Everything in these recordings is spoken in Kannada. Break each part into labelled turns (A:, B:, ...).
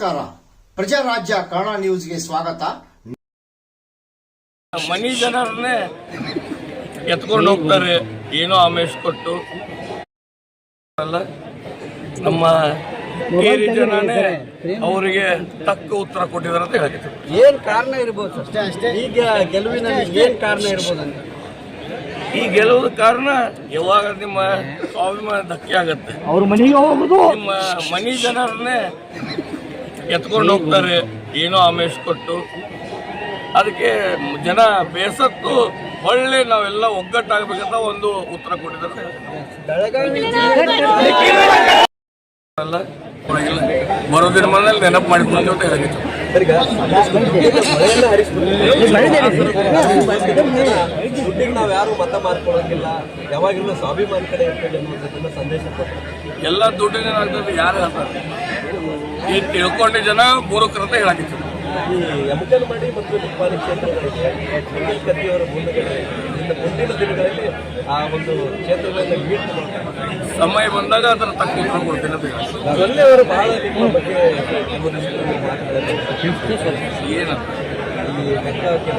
A: ನಮಸ್ಕಾರ. ಪ್ರಜಾರಾಜ್ಯ ಕನ್ನಡ ನ್ಯೂಸ್ಗೆ ಸ್ವಾಗತ.
B: ಮನಿ ಜನರನ್ನೇ ಎತ್ಕೊಂಡು ಹೋಗ್ತಾರೆ, ಏನೋ ಆಮೇಶ್ ಕೊಟ್ಟು ಅಲ್ಲ, ನಮ್ಮ ಕೇರಿ ಜನನೇ ಅವರಿಗೆ ತಕ್ಕ ಉತ್ತರ ಕೊಟ್ಟಿದ್ದಾರೆ ಅಂತ ಹೇಳಿದ್ರು.
C: ಏನ್ ಕಾರಣ ಇರ್ಬೋದು ಅಷ್ಟೇ ಈಗ ಗೆಲುವಿನ ಏನ್ ಕಾರಣ ಇರ್ಬೋದು ಅಂತ?
B: ಈ ಗೆಲುವು ಕಾರಣ ಯಾವಾಗ ನಿಮ್ಮ ಸ್ವಾಭಿಮಾನ ಧಕ್ಕೆ ಆಗತ್ತೆ,
C: ಅವ್ರ ಮನೆಗೆ ಹೋಗುದು,
B: ನಿಮ್ಮ ಮನಿ ಜನರನ್ನೇ ಎತ್ಕೊಂಡು ಹೋಗ್ತಾರೆ, ಏನೋ ಆಮೇಶ್ ಕೊಟ್ಟು. ಅದಕ್ಕೆ ಜನ ಬೇಸತ್ತು ಒಳ್ಳೆ ನಾವೆಲ್ಲ ಒಗ್ಗಟ್ಟಾಗಬೇಕಂತ ಒಂದು ಉತ್ತರ ಕೊಟ್ಟಿದ್ದಾರೆ. ಅಲ್ಲ ಬರೋದಿನ ಮನೇಲಿ ನೆನಪು ಮಾಡಿಕೊಂಡು ಅಂತ ಹೇಳಿತ್ತು.
C: ನಾವ್ ಯಾರು ಮತ ಮಾಡ್ಕೊಳ್ಳೋಂಗಿಲ್ಲ, ಯಾವಾಗಿಲ್ಲ ಸ್ವಾಭಿಮಾನ ಕಡೆ ಇರ್ತದೆ ಅನ್ನೋದನ್ನ ಸಂದೇಶ
B: ಎಲ್ಲ ದುಡ್ಡಿನ ಆಗ್ತದೆ. ಯಾರು ಹೇಳ್ತಾರೆ ಈ ತಿಳ್ಕೊಂಡ ಜನ ಮೂರ್ಖರಂತ ಹೇಳಾಕಿತ್ತು.
C: ಈ ಯಮಕನಮಡಿ ಮತ್ತು ನಿಪ್ಪಾಣಿ ಕ್ಷೇತ್ರಗಳಿಗೆ ಕತ್ತಿಯವರ ಮುಂದಗಡೆ ಮುಂದಿನ ದಿನಗಳಲ್ಲಿ ಆ ಒಂದು ಕ್ಷೇತ್ರಗಳನ್ನ ಮೀಟ್ ಮಾಡ್ತಾರೆ.
B: ಸಮಯ ಬಂದಾಗ ಅದರ ತಕ್ಕ ಉತ್ತರ ಕೊಡ್ತೀನಿ ಅಂತ ಹೇಳಿ.
C: ಅದರಲ್ಲಿ ಅವರು ಬಹಳ ನಿಮ್ಮ ಬಗ್ಗೆ
B: ಏನಂತ
C: ಈ ಲೆಕ್ಕ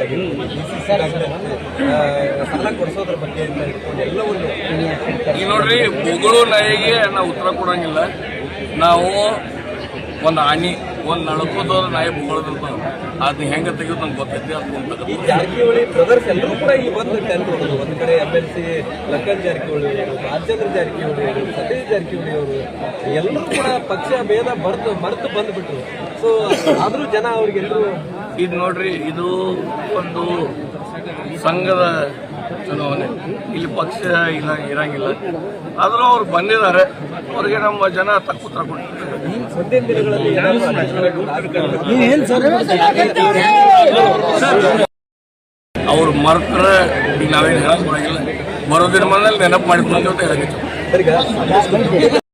C: ಸಾಲ ಕೊಡಿಸೋದ್ರ ಬಗ್ಗೆ ಎಲ್ಲವನ್ನು
B: ಈಗ ನೋಡ್ರಿ, ಬೊಗಳು ನಾಯಿಗೆ ನಾವು ಉತ್ತರ ಕೊಡಂಗಿಲ್ಲ. ನಾವು ಒಂದು ಆನಿ ಒಂದು ನಡ್ಕೋದವ್ರ ನಾಯಿ ಬೊಗಳದಂತ ಅದು ಹೆಂಗೆ ತೆಗೆದು ನಮ್ಗೆ ಗೊತ್ತೈತಿ. ಅದು
C: ಈ ಜಾರಕಿಹೊಳಿ ಬ್ರದರ್ಸ್ ಎಲ್ಲರೂ ಕೂಡ ಈ ಬಂದು ಟೆಂಟ್ ಹೊಡೆದು ಒಂದು ಕಡೆ MLC ಲಕ್ಕನ್ ಜಾರಕಿಹೊಳಿ ಅವರು, ರಾಜೇಂದ್ರ ಜಾರಕಿಹೊಳಿ ಅವರು, ಸತೀಶ್ ಜಾರಕಿಹೊಳಿ ಅವರು ಎಲ್ಲರೂ ಕೂಡ ಪಕ್ಷ ಭೇದ ಮರೆತು ಬಂದ್ಬಿಟ್ರು. ಸೊ ಆದ್ರೂ ಜನ ಅವ್ರಿಗೆಲ್ಲರೂ
B: ಇದು ನೋಡ್ರಿ, ಇದು ಒಂದು ಸಂಘದ ಚುನಾವಣೆ, ಇಲ್ಲಿ ಪಕ್ಷ ಇಲ್ಲ ಇರಂಗಿಲ್ಲ. ಆದರೂ ಅವ್ರು ಬಂದಿದ್ದಾರೆ, ಅವ್ರಿಗೆ ನಮ್ಮ ಜನ ತಕ್ಕ ಉತ್ತರ ಕೊಟ್ಟಿದ್ದಾರೆ.
C: ಮುಂದಿನ ದಿನಗಳಲ್ಲಿ
B: ಅವ್ರು ಮರ್ತಾರೆ. ಈಗ ನಾವೇನು ಹೇಳಕ್ ಬರಂಗಿಲ್ಲ, ಬರೋದಿನ ಮನೇಲಿ ನೆನಪು ಮಾಡಿಕೊಂಡು ಅಂತ ಹೇಳಿತ್ತು.